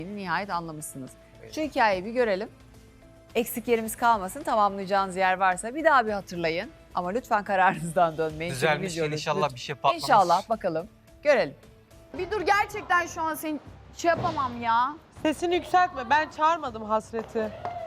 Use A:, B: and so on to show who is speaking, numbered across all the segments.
A: Nihayet anlamışsınız. Şu hikayeyi bir görelim. Eksik yerimiz kalmasın. Tamamlayacağınız yer varsa bir daha bir hatırlayın. Ama lütfen kararınızdan dönmeyin.
B: Düzelmiş
A: Çünkü
B: inşallah
A: lütfen.
B: bir şey patlamaz.
A: İnşallah bakalım. Görelim.
C: Bir dur, gerçekten şu an seni şey yapamam ya.
D: Sesini yükseltme. Ben çağırmadım Hasret'i.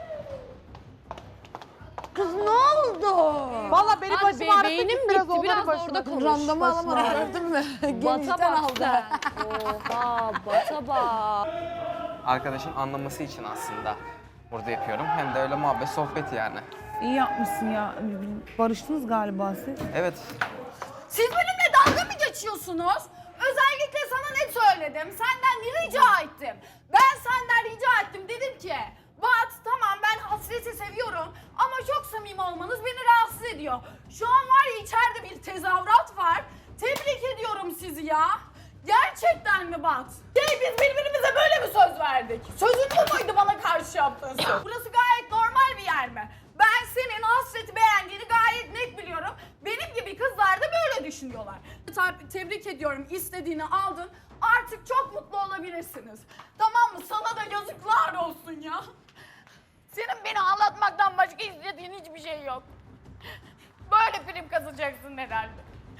C: Kız ne oldu?
D: Vallahi benim
E: Hadi
D: başım ağrıdı.
E: beynim
D: git
E: bitti,
D: onların
E: biraz da
D: başına.
E: orada konuş.
C: Randıma alamadım, gördün mü?
E: Bata
C: Genişten
E: bak
C: aldı.
E: sen. Oha, bata bak.
F: Arkadaşın anlaması için aslında burada yapıyorum. Hem de öyle muhabbet, sohbet yani.
G: İyi yapmışsın ya. Barıştınız galiba siz.
F: Evet,
C: Siz benimle dalga mı geçiyorsunuz? Özellikle sana ne söyledim? Senden ne rica ettim? Ben senden rica ettim. Dedim ki, Bat tamam ben Hasret'i seviyorum ama çok samimi olmanız beni rahatsız ediyor. Şu an var ya içeride bir tezahürat var. Tebrik ediyorum sizi ya. Gerçekten mi Bat? Biz birbirimize böyle mi söz verdik? Sözün bu muydu bana karşı yaptığın söz? Burası gayet normal bir yer mi? Ben senin Hasret'i beğendiğini gayet net biliyorum. Benim gibi kızlar da böyle düşünüyorlar. Tebrik ediyorum, istediğini aldın. Artık çok mutlu olabilirsiniz. Tamam mı? Sana da yazıklar olsun ya. Senin beni ağlatmaktan başka istediğin hiçbir şey yok. Böyle prim kazanacaksın herhalde.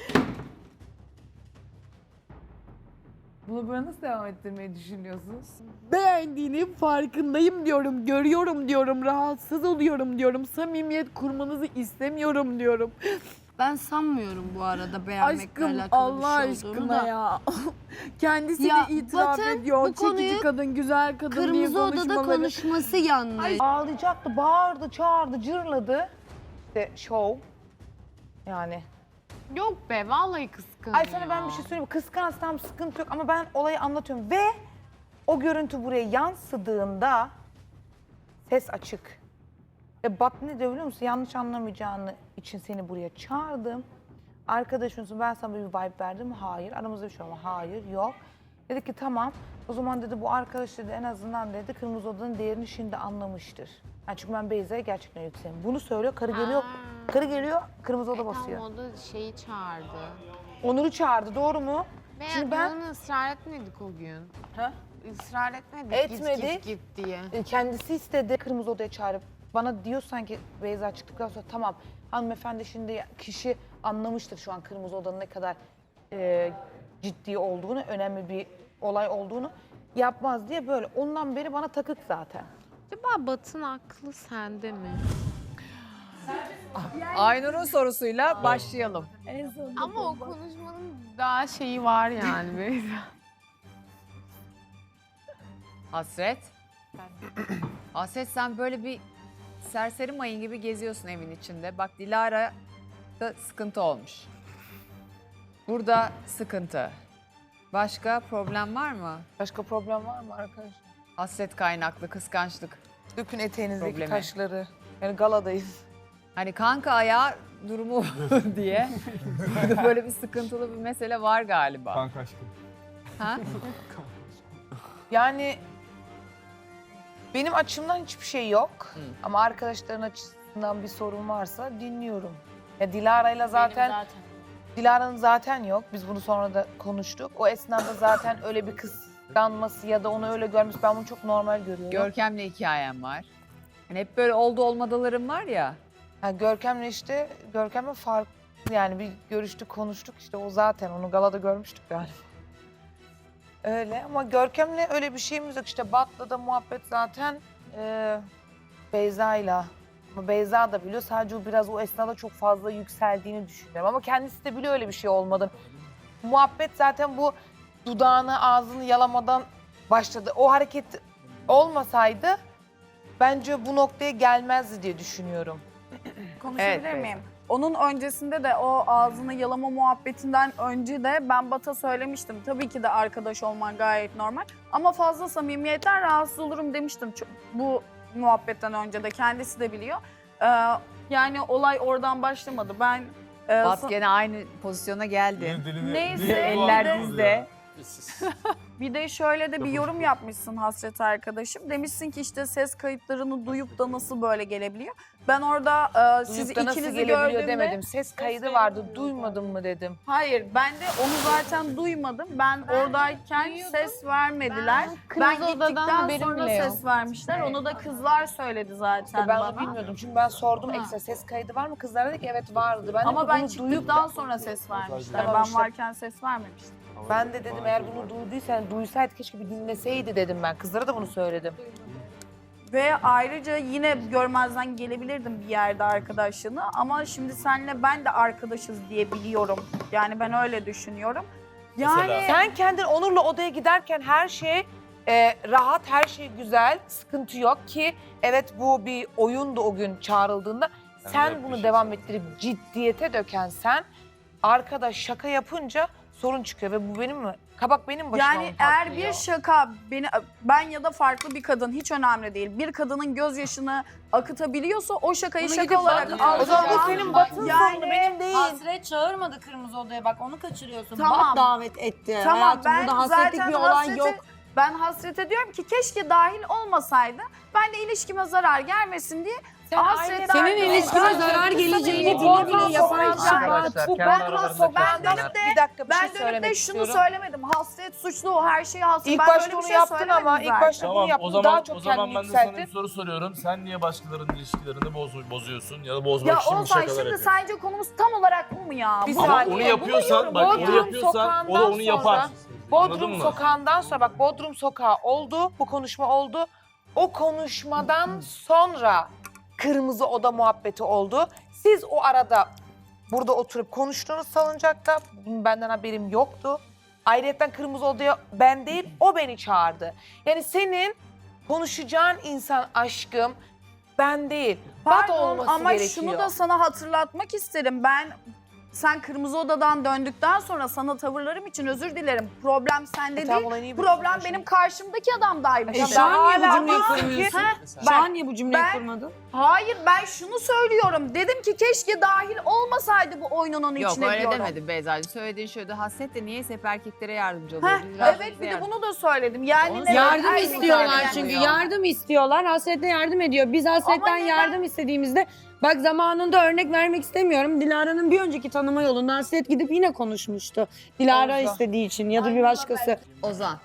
G: Bunu böyle nasıl devam ettirmeyi düşünüyorsunuz? Beğendiğinin farkındayım diyorum, görüyorum diyorum, rahatsız oluyorum diyorum, samimiyet kurmanızı istemiyorum diyorum.
E: Ben sanmıyorum bu arada beğenmekle
G: Aşkım
E: alakalı
G: Allah
E: bir şey olduğunu
G: aşkına
E: da.
G: ya. Kendisi
E: Ya
G: de itiraf
E: Batı
G: ediyor.
E: bu
G: Çekici
E: konuyu
G: kadın, güzel kadın diye
E: Kırmızı Oda'da
G: konuşmaları.
E: konuşması yanlış.
H: Ağlayacaktı, bağırdı, çağırdı, cırladı. İşte şov. Yani.
I: Yok be vallahi kıskanıyor.
H: Ay sana ben bir şey söyleyeyim mi? Kıskançsam sıkıntı yok ama ben olayı anlatıyorum. Ve o görüntü buraya yansıdığında ses açık. Ve Bat ne diyor biliyor musun? Yanlış anlamayacağını için seni buraya çağırdım. Arkadaşımsın, ben sana bir vibe verdim. Hayır. Aramızda bir şey olma. Hayır, yok. Dedi ki tamam. O zaman dedi bu arkadaş dedi en azından dedi Kırmızı Oda'nın değerini şimdi anlamıştır. Yani çünkü ben Beyza'ya gerçekten yükseliyorum. Bunu söylüyor. Karı geliyor. Karı geliyor. Kırmızı Oda basıyor.
I: Tam o da şeyi çağırdı.
H: Onur'u çağırdı. Doğru mu?
I: Ve
H: Şimdi ben-
I: onu ısrar etmedik o gün.
H: Ha?
I: Israr etmedik.
H: Etmedik.
I: Git diye.
H: Kendisi istedi Kırmızı Oda'ya çağırıp bana diyor sanki Beyza çıktıktan sonra tamam hanımefendi şimdi kişi anlamıştır şu an Kırmızı Oda'nın ne kadar ciddi olduğunu, önemli bir olay olduğunu yapmaz diye böyle. Ondan beri bana takık zaten.
I: Acaba Batın aklı sende mi?
A: Aynur'un sorusuyla başlayalım.
I: Ama o konuşmanın daha şeyi var yani Beyza.
A: Hasret. Hasret sen böyle bir serseri mayın gibi geziyorsun evin içinde. Bak Dilara'da sıkıntı olmuş. Burada sıkıntı. Başka problem var mı?
H: Başka problem var mı arkadaş?
A: Hasret kaynaklı kıskançlık.
H: Dökün eteğinizdeki
A: Problemi.
H: taşları. Yani galadayız.
A: Hani kanka ayağı durumu diye. Burada böyle bir sıkıntılı bir mesele var galiba.
B: Kanka aşkım.
A: Ha?
H: Yani benim açımdan hiçbir şey yok. Ama arkadaşların açısından bir sorun varsa dinliyorum. Ya Dilara'yla zaten Dilara'nın zaten yok. Biz bunu sonra da konuştuk. O esnada zaten öyle bir kıskanması ya da onu öyle görmüş. Ben bunu çok normal görüyorum.
A: Görkem'le hikayem var. Hani hep böyle oldu olmadılarım var ya.
H: Ha, Görkem'le farklı yani bir görüştük konuştuk işte o zaten onu galada görmüştük galiba. Öyle ama Görkem'le öyle bir şeyimiz yok işte Bat'la da muhabbet zaten Beyza'yla. Ama Beyza da biliyor sadece o biraz o esnada çok fazla yükseldiğini düşünüyorum ama kendisi de biliyor öyle bir şey olmadığını. Muhabbet zaten bu dudağını ağzını yalamadan başladı. O hareket olmasaydı bence bu noktaya gelmezdi diye düşünüyorum.
C: Konuşabilir
A: Evet,
C: miyim? Onun öncesinde de o ağzını yalama muhabbetinden önce de ben Bat'a söylemiştim. Tabii ki de arkadaş olman gayet normal. Ama fazla samimiyetten rahatsız olurum demiştim. Bu muhabbetten önce de kendisi de biliyor. Yani olay oradan başlamadı. Ben
A: Bat gene aynı pozisyona geldi.
C: neyse
A: Eller dizde.
C: Bir de şöyle de bir yorum yapmışsın Hasret arkadaşım. Demişsin ki işte ses kayıtlarını duyup da nasıl böyle gelebiliyor. Ben orada siz
H: Duyup da nasıl
C: ikinizi
H: gelebiliyor
C: gördüğümde...
H: demedim. Ses kaydı vardı, duymadın mı dedim.
C: Hayır, ben de onu zaten duymadım. Ben oradayken ses vermediler. Ben
I: Kırmızı odadan
C: gittikten
I: haberim
C: sonra
I: bile yok.
C: ses vermişler. Onu da kızlar söyledi zaten
H: Ben
C: bana.
H: onu bilmiyordum çünkü ben sordum ekstra ses kaydı var mı? Kızlar dedi ki evet vardı. Ben
C: Ama
H: dedim,
C: ben
H: bunu
C: çıktıktan sonra ses vermişler.
H: Tamam
C: Ben
H: işte.
C: varken ses vermemiştim.
H: Ben de dedim eğer bunu duyduysan, duysaydı keşke bir dinleseydi dedim ben. Kızlara da bunu söyledim.
C: Ve ayrıca yine görmezden gelebilirdim bir yerde arkadaşlığını. Ama şimdi senle ben de arkadaşız diye biliyorum. Yani ben öyle düşünüyorum. Yani
H: Sen kendin Onur'la odaya giderken her şey rahat, her şey güzel, sıkıntı yok ki evet bu bir oyundu o gün çağrıldığında. Sen bunu devam ettirip ciddiyete döken sen arkada şaka yapınca sorun çıkıyor ve bu benim mi? Kabak benim başıma
C: yani
H: mı
C: eğer
H: patlıyor?
C: bir şaka ben ya da farklı bir kadın hiç önemli değil. Bir kadının gözyaşını akıtabiliyorsa o şakayı
H: Bunu
C: şaka
H: gidip
C: olarak
H: Batın- O zaman bu
C: algılayan-
H: senin batın
C: Yani-
H: sorunu benim değil.
E: Hasret çağırmadı kırmızı odaya bak onu kaçırıyorsun.
C: Tamam.
E: Bat davet etti.
C: Tamam
E: Hayatım
C: ben
E: burada hasretlik
C: zaten
E: bir olay
C: hasrete-
E: yok.
C: Ben hasrete diyorum ki keşke dahil olmasaydı. Ben de ilişkime zarar gelmesin diye
H: Sen
C: hasret
H: aileden-
C: dahil
E: Senin ilişkine
C: olmasaydı-
E: zarar geleceğini
C: Bu
E: bile bile
C: Bodrum
E: yapan
C: sokaklar-
E: kişi Bat.
H: Bu
F: Kendi
H: ben
F: aralarında
C: ben
F: konuşsunlar.
C: dönüp de
H: bir dakika bir
C: ben
H: şey
C: dönüp
H: söylemek
C: de şunu
H: istiyorum.
C: söylemedim. Hasret suçlu, her şeyi hasret.
H: İlk
C: Ben
H: başta
C: böyle bir
H: onu
C: şey
H: yaptın
C: söylemedim
H: ama ilk
C: zaten.
H: başta bunu
B: Tamam
H: yaptın
B: o zaman
H: daha çok
B: o zaman
H: kendini
B: ben de sana bir
H: yükselttin.
B: soru soruyorum. Sen niye başkalarının ilişkilerini bozuyorsun ya da bozmak
C: Ya
B: için bu
C: Oğuzhan
B: şakalar
C: şimdi
B: yapıyorsun?
C: sence konumuz tam olarak bu mu ya?
H: Bir
C: Bu-
B: Ama
H: saniye.
B: onu yapıyorsan bak
H: Bodrum
B: onu yapıyorsan o da
H: sokağından
B: onu yapar.
H: sonra-
B: Anladın
H: Bodrum
B: mı?
H: sokağından sonra bak Bodrum sokağı oldu, bu konuşma oldu. O konuşmadan sonra kırmızı oda muhabbeti oldu. Siz o arada burada oturup konuştuğunuz salıncakta benden haberim yoktu. Ayrıca kırmızı odaya ben değil o beni çağırdı. Yani senin konuşacağın insan aşkım ben değil. Bat
C: Pardon
H: olması
C: ama
H: gerekiyor.
C: şunu da sana hatırlatmak isterim. Sen Kırmızı Oda'dan döndükten sonra sana tavırlarım için özür dilerim. Problem sende
H: Tamam,
C: değil.
H: olayı niye
C: Problem
H: bırakıyorsun
C: benim karşımdaki adamdaymış.
H: E,
E: Şu an niye bu
H: hala
E: cümleyi
H: diyorsun
E: kurmuyorsun?
C: Ha,
E: Şu an niye bu cümleyi
C: ben-
E: kurmadın?
C: Hayır ben şunu söylüyorum. Dedim ki keşke dahil olmasaydı bu oyunun
A: Yok
C: içine
A: öyle
C: diyorum.
A: demedim Beyza'cığım. Söylediğin şöyle hasret de niyeyse hep erkeklere yardımcı
C: Heh,
A: oluyor. Biraz
C: evet
A: bize
C: bir de
A: yardım-
C: bunu da söyledim. Yani neden
E: Yardım
C: erkekler
E: istiyorlar
C: yani?
E: çünkü. Yardım istiyorlar. Hasretle yardım ediyor. Biz Hasret'ten
C: Ama neden?
E: yardım istediğimizde bak zamanında örnek vermek istemiyorum. Dilara'nın bir önceki tanıma yolunda Hasret gidip yine konuşmuştu. Dilara
H: Oldu.
E: istediği için ya da bir
C: Aynen
E: başkası.
A: Ozan.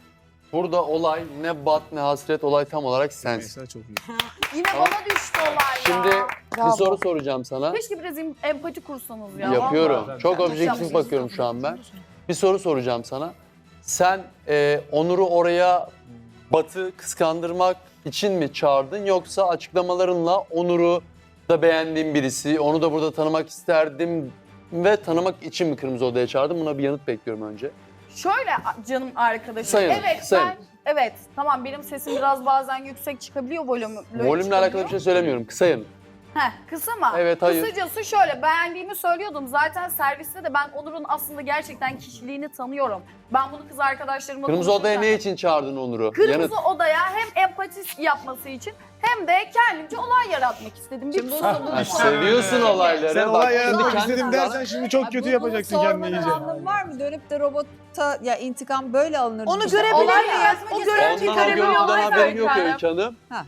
J: Burada olay ne bat ne hasret, olay tam olarak sensin.
C: Yine bana düştü olay ya.
J: Şimdi bir soru soracağım sana.
C: Keşke biraz empati kursanız ya.
J: Yapıyorum.
C: vallahi.
J: Çok objektif
C: yapmışsınız.
J: bakıyorum şu an ben. Bir soru soracağım sana. Sen Onur'u oraya Bat'ı kıskandırmak için mi çağırdın, yoksa açıklamalarınla Onur'u da beğendiğim birisi, onu da burada tanımak isterdim ve tanımak için mi Kırmızı Oda'ya çağırdın? Buna bir yanıt bekliyorum önce.
C: Şöyle canım arkadaşım.
J: Sayın,
C: evet
J: sayın.
C: evet tamam benim sesim biraz bazen yüksek çıkabiliyor volümle.
J: Volümle alakalı bir şey söylemiyorum. Kısa yanıt.
C: Kısa mı?
J: Evet, hayır.
C: Kısacası şöyle beğendiğimi söylüyordum. Zaten serviste de ben Onur'un aslında gerçekten kişiliğini tanıyorum. Ben bunu kız arkadaşlarımla
J: Kırmızı Oda'ya
C: konuşurken-
J: ne için çağırdın Onur'u?
C: Kırmızı
J: Yanıt.
C: Oda'ya hem empati yapması için hem de kendimce olay yaratmak istedim. Bir
A: Şimdi
C: pusu
A: bu-
J: Ha, seviyorsun olayları.
K: Sen
J: Bak,
K: olay
J: şimdi
K: yaratmak
J: kendi
K: istedim
J: kızlarla-
K: dersen şimdi çok kötü yapacaksın kendini iyice.
A: anlamı var mı? Dönüp de robota ya intikam böyle alınır.
H: Onu
A: İşte
H: görebilir
A: olay
H: miyiz?
A: yaratmak
H: O
A: istedim.
H: görüntüyü
J: Ondan o
H: görebiliyor
J: görüntüden
H: olay
J: haberim yok
H: zaten.
J: Öykü Hanım.
A: Ha.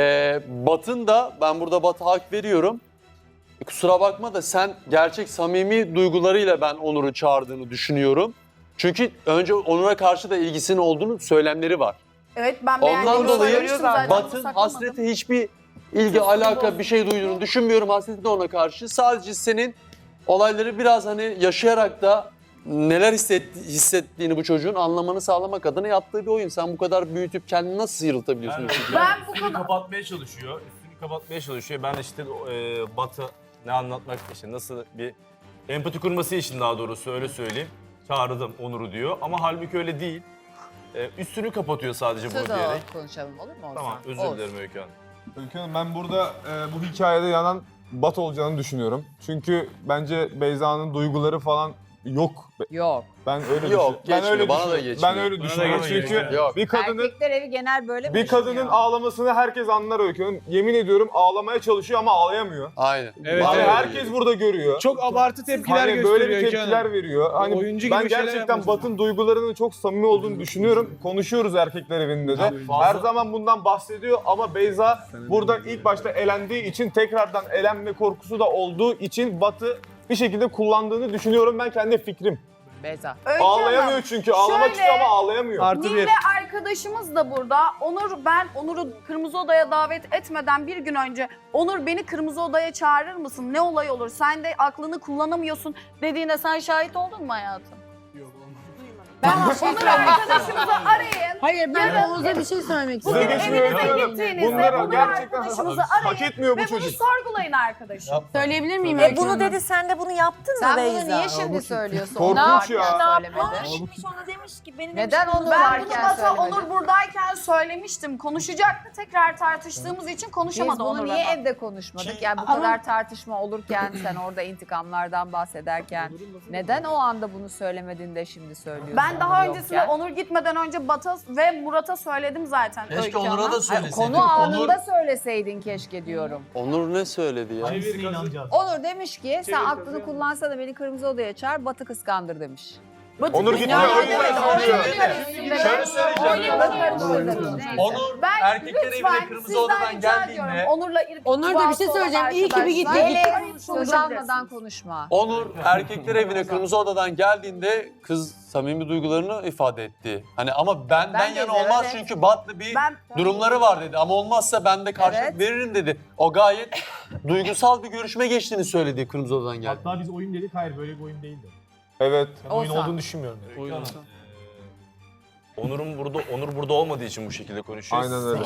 J: Batın da, ben burada Bat'a hak veriyorum. Kusura bakma da sen gerçek samimi duygularıyla ben Onur'u çağırdığını düşünüyorum. Çünkü önce Onur'a karşı da ilgisinin olduğunu söylemleri var.
C: Evet ben
J: Ondan
C: beğendiğimi
J: dolayı
C: söylemiştim zaten.
J: Bat'ın
C: Bunu saklamadım.
J: hasrete hiçbir ilgi, alaka bir şey duyduğunu düşünmüyorum. Hasreti de ona karşı. Sadece senin olayları biraz hani yaşayarak da neler hissettiğini bu çocuğun anlamanı sağlamak adına yaptığı bir oyun. Sen bu kadar büyütüp kendini nasıl sıyrıltabiliyorsun?
C: Ben bu
B: Üstünü
C: kadar-
B: kapatmaya çalışıyor. Üstünü kapatmaya çalışıyor. Ben de işte Batı ne anlatmak için, nasıl bir empati kurması için daha doğrusu öyle söyleyeyim. Çağırdım Onur'u diyor ama halbuki öyle değil. Üstünü kapatıyor sadece bunu
A: Söz
B: diyerek.
A: alıp konuşalım olur mu Ozan?
B: Tamam özür
A: Olsun.
B: dilerim Öykü Hanım.
K: Öykü Hanım, ben burada bu hikayede yanan Bat olacağını düşünüyorum. Çünkü bence Beyza'nın duyguları falan yok.
A: Yok.
K: Ben öyle
J: Yok,
K: ben
J: geçmiyor,
K: öyle
J: bana da
K: düşünüyorum.
J: geçmiyor.
K: Ben öyle
B: Bana da
K: düşünüyorum.
B: geçmiyor.
K: Çünkü
J: Yok.
K: bir kadının
A: Erkekler evi genel böyle mi
K: bir kadının
A: düşünüyor?
K: ağlamasını herkes anlar Öykü Hanım. Yemin ediyorum ağlamaya çalışıyor ama ağlayamıyor.
J: Aynen.
K: Yani
J: Bana da
K: herkes
J: geliyor.
K: burada görüyor.
L: Çok abartı tepkiler
K: Hani
L: gösteriyor
K: böyle bir
L: Öykü
K: tepkiler
L: Hanım.
K: veriyor. Hani
L: Oyuncu gibi
K: ben
L: şeyler
K: gerçekten
L: yapıyorsun.
K: Bat'ın duygularının çok samimi olduğunu düşünüyorum. Konuşuyoruz erkekler evinde de.
B: Fazla-
K: Her zaman bundan bahsediyor ama Beyza buradan ilk başta elendiği için tekrardan elenme korkusu da olduğu için Bat'ı bir şekilde kullandığını düşünüyorum ben kendi fikrim.
A: Beyza.
C: Öykü
K: Ağlayamıyor
C: Hanım,
K: çünkü. Ağlamak
C: şöyle-
K: istiyor ama ağlayamıyor.
L: Artı bir.
C: Nil'le arkadaşımız da burada. Ben Onur'u Kırmızı Oda'ya davet etmeden bir gün önce Onur beni Kırmızı Oda'ya çağırır mısın? Ne olay olur? Sen de aklını kullanamıyorsun dediğine sen şahit oldun mu hayatım? Ben Onur arkadaşımızı arayın.
E: Hayır ben
C: Yarın-
E: Oğuz'a bir şey söylemek
K: Size
E: istiyorum.
K: geçmiyor
C: evinize
K: Öykü Hanım.
C: gittiğinizde
K: Bunları
C: Onur
K: gerçekten
C: arkadaşımızı
K: hak
C: arayın
K: etmiyor bu
C: ve bunu
K: çocuk.
C: sorgulayın arkadaşım.
E: Söyleyebilir miyim Öykü
M: Bunu
E: Hanım?
M: dedi sen de bunu yaptın mı
A: Sen
M: Beyza?
A: bunu niye şimdi söylüyorsun?
K: Korkunç
A: Onu varken
K: ya.
A: söylemedi.
M: Demiş ona demiş ki benim
A: Neden
M: demiş,
A: onu
C: Ben bunu
A: varken
C: Bat'a
A: söylemedi?
C: Onur buradayken söylemiştim. Konuşacaktı. Tekrar tartıştığımız için
A: Biz
C: konuşamadı
A: bunu
C: Onur'la.
A: niye
C: da.
A: evde konuşmadık? Yani bu kadar tartışma olurken sen orada intikamlardan bahsederken neden o anda bunu söylemedin de şimdi söylüyorsun?
C: Ben daha
A: Onur
C: öncesinde
A: yokken?
C: Onur gitmeden önce Bat'a ve Murat'a söyledim zaten.
J: Keşke
C: Öykü
J: Onur'a
C: Hanım.
J: da
A: Hayır,
J: söyleseydin.
A: konu anında söyleseydin keşke diyorum.
J: Onur ne söyledi ya?
A: Onur demiş ki sen aklını kullansana beni Kırmızı Oda'ya çağır Batı kıskandır demiş.
K: Onur gidiyor.
A: Yani
K: Öykü
A: evet,
K: Hanım söylüyor.
J: Şöyle söyleyeceğim.
A: Onur,
C: Ben
J: Erkekler
C: lütfen
J: evine Kırmızı
C: sizden
J: Odadan
C: rica
J: geldiğinde-
C: ediyorum. Onur'la
E: Onur da bir şey söyleyeceğim. İyi ki bir gitti.
A: Melek söz almadan konuşma.
J: Onur erkekler evine Kırmızı Odadan geldiğinde kız samimi duygularını ifade etti. Hani ama benden
A: Ben de
J: yana
A: evet,
J: olmaz
A: evet.
J: çünkü Bat'la bir
C: Ben
J: durumları var dedi. Ama olmazsa ben de karşılık
A: Evet.
J: veririm dedi. O gayet duygusal bir görüşme geçtiğini söyledi Kırmızı Odadan geldi.
L: Hatta biz oyun dedik, hayır böyle bir oyun değildi.
K: Evet.
L: Ben oyun
A: Olsa.
L: olduğunu düşünmüyorum.
B: Onur burada olmadığı için bu şekilde konuşuyor.
K: Aynen öyle.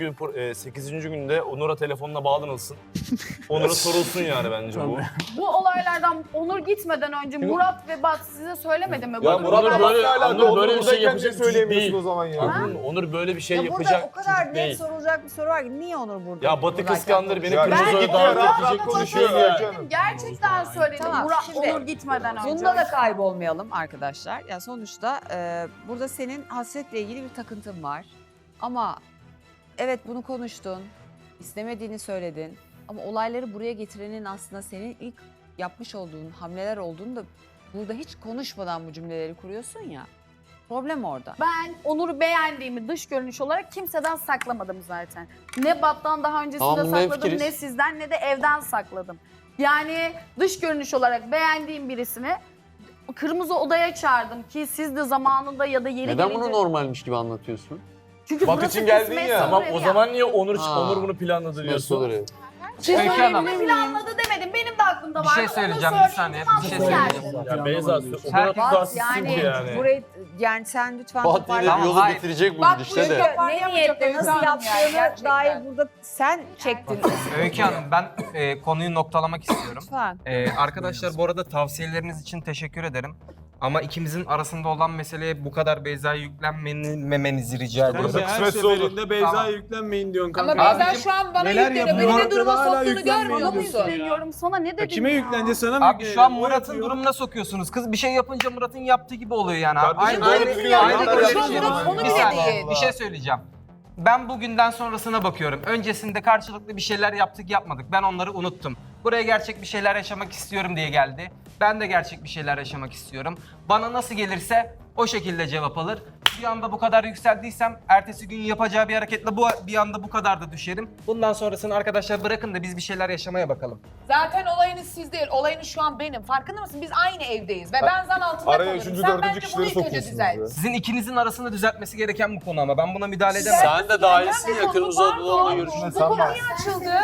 B: 8. günde Onur'a telefonla bağlanılsın. Onur'a sorulsun yani bence bu.
C: Bu olaylardan Onur gitmeden önce Murat ve Bat size söylemedi mi?
K: Ya
C: Bakın,
K: Murat
B: Onur
K: böyle,
B: böyle-
K: alakalı.
B: Onur böyle bir şey
K: Buradayken
B: yapacak
K: niye
B: bir çocuk
K: söyleyemiyorsun
B: değil.
K: o zaman ya?
B: Onur böyle bir şey
A: Ya burada
B: yapacak
A: o kadar
B: çocuk
A: net
B: değil.
A: sorulacak bir soru var ki niye Onur burada?
B: Ya Batı
A: buradayken
B: kıskandır beni
K: Ya
B: Kırmızı
K: ben
B: Oda'ya
K: gittim ya,
B: davet
K: rahat
B: edecek
K: rahat
B: konuşuyor
K: konuşuyoruz
B: ya.
K: Öykü Hanım.
C: Gerçekten söyledim.
A: Tamam,
C: Murat
A: şimdi
C: Onur gitmeden önce.
A: Bunda da kaybolmayalım arkadaşlar. Ya sonuçta burada senin hasretle ilgili bir takıntın var. Ama evet bunu konuştun, istemediğini söyledin. Ama olayları buraya getirenin aslında senin ilk yapmış olduğun hamleler olduğunu da burada hiç konuşmadan bu cümleleri kuruyorsun ya. Problem orada.
C: Ben Onur'u beğendiğimi dış görünüş olarak kimseden saklamadım zaten. Ne Bat'tan daha öncesinde
J: Tamam, bunda
C: sakladım,
J: hemfikiriz.
C: ne sizden ne de evden sakladım. Yani dış görünüş olarak beğendiğim birisini Kırmızı Oda'ya çağırdım ki siz de zamanında ya da yeri
J: Neden
C: gelince...
J: bunu normalmiş gibi anlatıyorsun?
C: Çünkü
K: Bat
C: burası
K: için geldin
C: kısmetse
K: ya.
B: Tamam
C: oraya.
B: o zaman niye
J: Ha.
B: Onur bunu planladı
J: Nasıl
B: diyorsun?
J: olur ya?
C: Şey
F: Öykü Hanım.
C: söyleyeyim, planladı demedim. Benim de aklımda
F: Bir
C: vardı.
F: şey
C: Onu
F: söyleyeceğim, bir
C: söyleyeyim,
F: saniye,
C: tamam,
F: bir şey
C: geldi.
F: söyleyeceğim.
B: Ya Beyza o kadar
C: Herkes-
B: tutarsızsın
A: Yani,
B: ki yani.
A: burayı yani sen lütfen
J: Bat yine
A: toparlan.
J: yolu
F: hayır.
J: bitirecek bu
E: Bak,
J: gidişle
E: bu
J: de.
E: yüzden-
A: Ne niyetle nasıl
E: Öykü Hanım
A: yaptığını
E: gerçekten.
A: dair burada sen çektin.
F: Öykü Hanım ben konuyu noktalamak istiyorum.
A: Lütfen.
F: Arkadaşlar bu arada tavsiyeleriniz için teşekkür ederim. Ama ikimizin arasında olan meseleye bu kadar Beyza'ya yüklenmemenizi rica ediyorum.
K: Burada kısmetse olur.
L: seferinde Beyza'ya
F: Tamam.
L: yüklenmeyin diyorsun
E: Ama
L: kanka.
E: Beyza
F: Abicim,
E: şu an bana
L: neler
E: yükleniyor.
L: yapıyor?
E: Beni ne duruma
L: Hala
E: soktuğunu
L: yüklenmiyor
E: görmüyor
C: Sana mı
E: musun?
C: yükleniyorum? Sana ne dedim
L: Kime
C: ya?
L: yüklenecek sana mı
F: Abi şu an
L: yükleniyor?
F: Murat'ın
L: O yapıyor.
F: durumuna sokuyorsunuz. Kız bir şey yapınca Murat'ın yaptığı gibi oluyor yani.
K: Kardeşim,
F: Aynı
K: doğru düzgün yaptılar,
F: böyle bir
K: yaptılar.
F: şey.
K: Murat onu
F: Bir
K: bile
F: saniye,
K: değil.
F: bir şey söyleyeceğim. Ben bugünden sonrasına bakıyorum. Öncesinde karşılıklı bir şeyler yaptık yapmadık. Ben onları unuttum. Buraya gerçek bir şeyler yaşamak istiyorum diye geldi. Ben de gerçek bir şeyler yaşamak istiyorum. Bana nasıl gelirse o şekilde cevap alır. Bir anda bu kadar yükseldiysem ertesi gün yapacağı bir hareketle bir anda bu kadar da düşerim. Bundan sonrasını arkadaşlar bırakın da biz bir şeyler yaşamaya bakalım.
E: Zaten olayınız siz değil. Olayınız şu an benim. Farkında mısın? Biz aynı evdeyiz. Ve ben zan altında
K: Araya
E: kalıyorum.
K: üçüncü,
E: Sen
K: dördüncü
E: bence bunu
K: kişileri
E: ilk önce
K: sokuyorsunuz
E: düzelt.
K: ya.
F: Sizin ikinizin arasında düzeltmesi gereken bu konu ama ben buna müdahale edemem.
J: Sen de dahilsin ya Kırmızı Odadan görüşme.
E: Bu konu niye açıldı?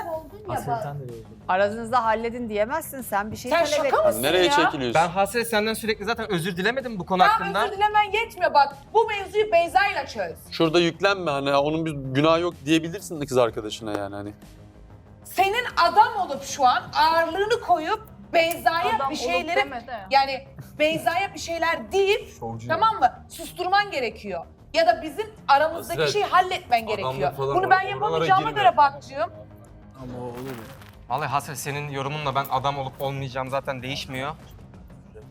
A: Aranızda halledin diyemezsin sen bir şey
E: Sen
A: talep
E: şaka
A: ettin.
E: mısın
J: Nereye
E: ya?
J: çekiliyorsun?
F: Ben Hasret senden sürekli zaten özür dilemedim bu konu
E: Tamam
F: hakkında.
E: özür dilemen yetmiyor bak. Bu mevzuyu Beyza'yla çöz.
J: Şurada yüklenme hani onun bir günahı yok diyebilirsin de kız arkadaşına yani hani.
E: Senin adam olup şu an ağırlığını koyup Beyza'ya
C: Adam
E: bir
C: olup
E: şeyleri
C: deme de.
E: yani Beyza'ya bir şeyler deyip tamam mı? Susturman gerekiyor. Ya da bizim aramızdaki
B: Hasret,
E: şeyi halletmen gerekiyor.
B: adamlık falan
E: Bunu ben
B: oralara
E: yapamayacağıma
B: girme.
E: göre bakcığım.
L: Ama olur ya.
F: Vallahi Hasret senin yorumunla ben adam olup olmayacağım zaten değişmiyor.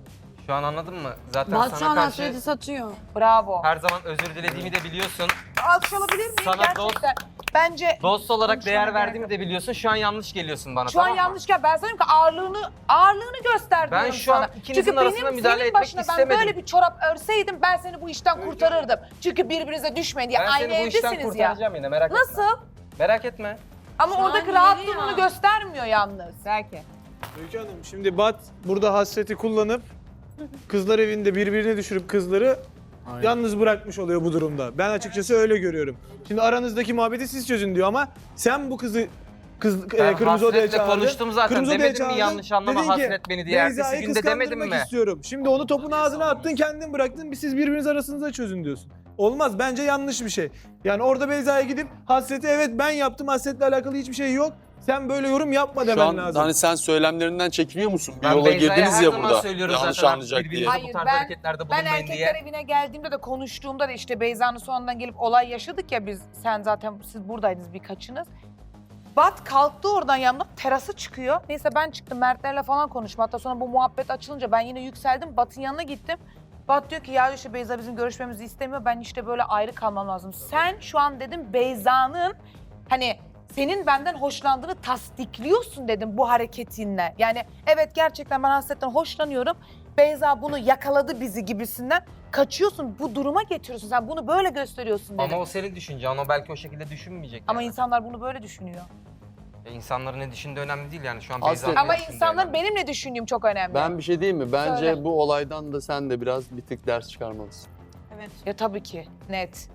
F: Şu an anladın mı? Zaten
E: Bat şu
F: sana
E: an
F: karşı
E: hasreti satıyor.
H: Bravo.
F: her zaman özür dilediğimi de biliyorsun.
H: Alkış alabilir miyim?
F: Sana
H: Gerçekten. Bence
F: Dost olarak
H: Konuşmana
F: değer
H: gerek
F: verdiğimi de biliyorsun. Şu an yanlış geliyorsun bana,
H: şu an
F: tamam mı?
H: yanlışken ben sana diyorum ki ağırlığını göster
F: Ben
H: diyorum
F: şu an
H: sana.
F: ikinizin
H: Çünkü
F: arasında
H: benim
F: müdahale
H: senin
F: etmek
H: başına
F: istemedim.
H: ben böyle bir çorap örseydim ben seni bu işten kurtarırdım. Çünkü birbirinize düşmeyin diye.
F: Ben
H: Aynı
F: seni bu işten
H: evdesiniz ya.
F: kurtaracağım yine, merak etme.
H: Nasıl?
F: Merak etme.
H: Ama
E: Şu an
H: oradaki
E: yeri
H: rahatlığını
E: ya.
H: göstermiyor yalnız.
A: Belki.
L: Öykü Hanım şimdi Bat burada hasreti kullanıp kızlar evinde birbirine düşürüp kızları yalnız bırakmış oluyor bu durumda. Ben açıkçası öyle görüyorum. Şimdi aranızdaki muhabbeti siz çözün diyor ama sen bu kızı
F: Ben
L: kırmızı odaya
F: Hasret'le
L: çağırdın.
F: konuştum zaten.
L: Kırmızı odaya
F: Demedim mi
L: çağırdın,
F: yanlış anlama
L: dedin ki,
F: Hasret beni diye. Ertesi
L: Beyza'yı
F: günde demedim
L: kıskandırmak
F: mi?
L: istiyorum. Şimdi onu topun ağzına attın, kendin bıraktın. Siz birbiriniz arasınızda çözün diyorsun. Olmaz. Bence yanlış bir şey. Yani orada Beyza'ya gidip Hasret'e evet ben yaptım, Hasret'le alakalı hiçbir şey yok. Sen böyle yorum yapma
J: Şu
L: demen
J: an
L: lazım.
J: hani sen söylemlerinden çekiniyor musun? Bir
F: Ben
J: yola
F: Beyza'ya
J: girdiniz
F: her
J: ya
F: zaman
J: burada.
F: söylüyorum
J: Yanlış
F: zaten,
J: anlayacak diye.
F: birbirinize bu tarz hareketlerde
H: Ben
F: bulunmayın
H: erkekler
F: diye.
H: evine geldiğimde de konuştuğumda da işte Beyza'nın sonundan gelip olay yaşadık ya biz. Sen zaten siz buradaydınız birkaçınız. Bat kalktı oradan yanımda terasa çıkıyor. Neyse ben çıktım Mertlerle falan konuştum. Hatta sonra bu muhabbet açılınca ben yine yükseldim. Bat'ın yanına gittim. Bat diyor ki ya işte Beyza bizim görüşmemizi istemiyor. Ben işte böyle ayrı kalmam lazım. Sen şu an dedim Beyza'nın hani senin benden hoşlandığını tasdikliyorsun dedim bu hareketinle. Yani evet gerçekten ben Hasret'ten hoşlanıyorum. Beyza bunu yakaladı bizi gibisinden kaçıyorsun. Bu duruma getiriyorsun. Sen bunu böyle gösteriyorsun dedim.
F: Ama o senin düşüncen. O belki o şekilde düşünmeyecek.
H: Ama
F: yani.
H: insanlar bunu böyle düşünüyor.
F: İnsanların ne düşündüğü önemli değil yani. Şu an
J: Hasret-
F: Beyza'nın
H: Ama
F: ne düşündüğü
H: insanların
F: önemli.
H: benim ne düşündüğüm çok önemli.
J: Ben bir şey diyeyim mi? Bence
H: Söyle.
J: bu olaydan da sen de biraz bir tık ders çıkarmalısın.
H: Ya tabii ki net.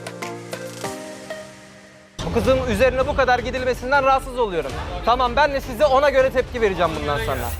F: Bu kızın üzerine bu kadar gidilmesinden rahatsız oluyorum. Tamam ben de size ona göre tepki vereceğim bundan sonra.